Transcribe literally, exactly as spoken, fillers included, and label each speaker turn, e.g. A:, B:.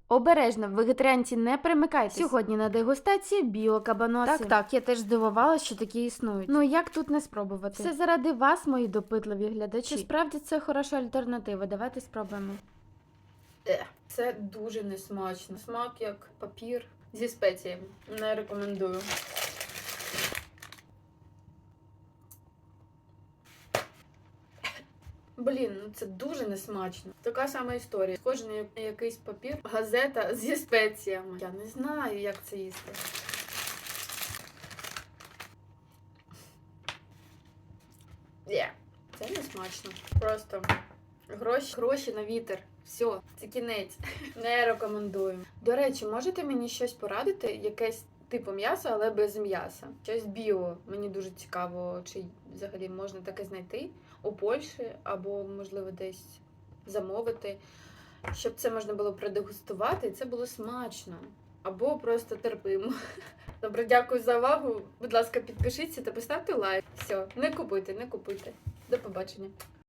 A: Обережно, вегетаріанці не примикайтесь. Сьогодні на дегустації біокабаноси. Так, так, я теж здивувалася, що такі існують. Ну як тут не спробувати? Все заради вас, мої допитливі глядачі. Чи справді це хороша альтернатива? Давайте спробуємо.
B: Е, Це дуже несмачно. Смак як папір зі спеціями. Не рекомендую. Блін, ну це дуже несмачно. Така сама історія. Схоже на якийсь папір, газета зі спеціями. Я не знаю, як це їсти. Є. Це не смачно. Просто гроші, гроші на вітер. Все, це кінець. Не рекомендую. До речі, можете мені щось порадити? Якесь типу м'яса, але без м'яса. Щось біо. Мені дуже цікаво, чи взагалі можна таке знайти у Польщі, або, можливо, десь замовити, щоб це можна було продегустувати, і це було смачно. Або просто терпимо. Добре, дякую за увагу. Будь ласка, підпишіться та поставте лайк. Все, не купуйте, не купуйте. До побачення.